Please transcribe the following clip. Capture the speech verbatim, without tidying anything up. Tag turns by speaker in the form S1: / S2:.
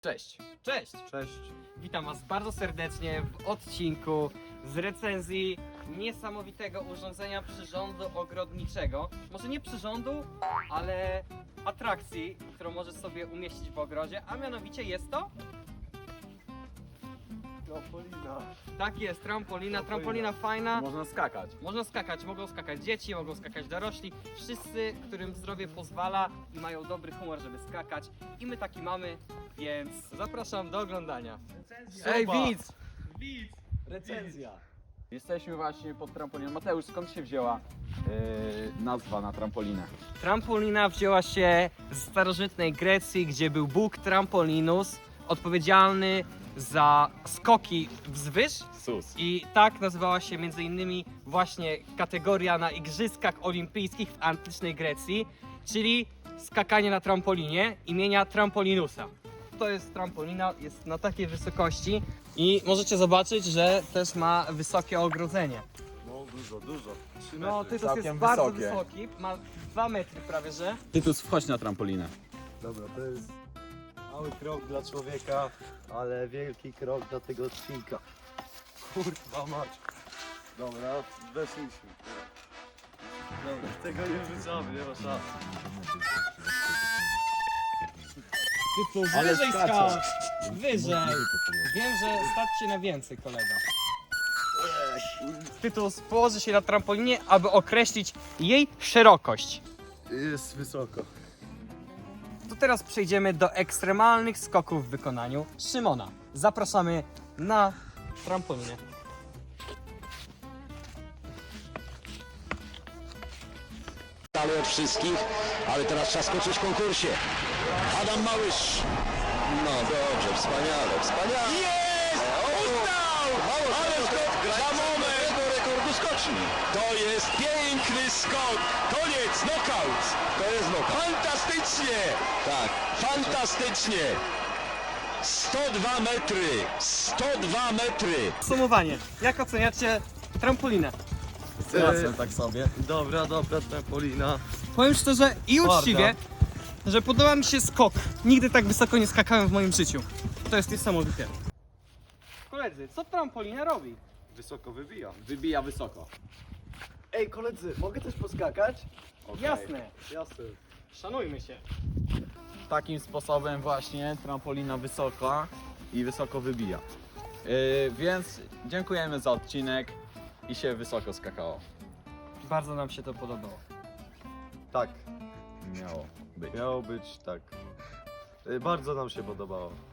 S1: Cześć!
S2: Cześć!
S1: Cześć!
S2: Witam Was bardzo serdecznie w odcinku z recenzji niesamowitego urządzenia przyrządu ogrodniczego. Może nie przyrządu, ale atrakcji, którą możesz sobie umieścić w ogrodzie, a mianowicie jest to...
S1: Trampolina.
S2: Tak jest, trampolina,
S1: Trampolina.
S2: trampolina fajna.
S1: Można skakać.
S2: Można skakać, mogą skakać dzieci, mogą skakać dorośli, wszyscy, którym zdrowie pozwala i mają dobry humor, żeby skakać. I my taki mamy, więc zapraszam do oglądania. Ej,
S1: Zobacz.
S2: widz!
S1: Widz! Recenzja. Jesteśmy właśnie pod trampoliną. Mateusz, skąd się wzięła yy, nazwa na trampolinę?
S2: Trampolina wzięła się z starożytnej Grecji, gdzie był bóg Trampolinus, odpowiedzialny za skoki wzwyż.
S1: Sus.
S2: I tak nazywała się między innymi właśnie kategoria na Igrzyskach Olimpijskich w antycznej Grecji, czyli skakanie na trampolinie imienia Trampolinusa. To jest trampolina, jest na takiej wysokości i możecie zobaczyć, że też ma wysokie ogrodzenie.
S3: No dużo, dużo. trzy
S2: No,
S3: metry.
S2: Tytus jest
S1: Całkiem
S2: bardzo
S1: wysokie.
S2: wysoki, ma dwa metry prawie, że.
S1: Tytus, wchodź na trampolinę.
S3: Dobra, to jest mały krok dla człowieka, ale wielki krok dla tego odcinka. Kurwa mać. Dobra, weszliśmy. Dobra, tego nie wrzucamy, nie ma szans.
S2: Tytus,
S1: Ale
S2: wyżej
S1: skacze.
S2: skacz! Wyżej! Wiem, że stać się na więcej, kolega. Tytus położy się na trampolinie, aby określić jej szerokość.
S3: Jest wysoko.
S2: To teraz przejdziemy do ekstremalnych skoków w wykonaniu Szymona. Zapraszamy na trampolinę.
S4: Ale od wszystkich, ale teraz trzeba skoczyć w konkursie. Adam Małysz. No dobrze, wspaniale, wspaniale. Jest! Uznał! Ale skok za moment do rekordu skoczni. To jest piękny skok. Koniec, knockout. To jest knockout. Fantastycznie. Tak, fantastycznie. sto dwa metry. sto dwa metry.
S2: Podsumowanie. Jak oceniacie trampolinę?
S1: Wracam tak sobie.
S3: Dobra, dobra, trampolina.
S2: Powiem szczerze i uczciwie, że podoba mi się skok. Nigdy tak wysoko nie skakałem w moim życiu. To jest niesamowite. Koledzy, co trampolina robi?
S3: Wysoko wybija.
S1: Wybija wysoko.
S3: Ej koledzy, mogę też poskakać?
S1: Okej.
S2: Jasne,
S3: Jasne.
S2: szanujmy się.
S1: Takim sposobem właśnie trampolina wysoka i wysoko wybija. Yy, więc dziękujemy za odcinek i się wysoko skakało.
S2: Bardzo nam się to podobało.
S3: Tak,
S1: Miało być.
S3: miało być tak. Y, Bardzo nam się podobało.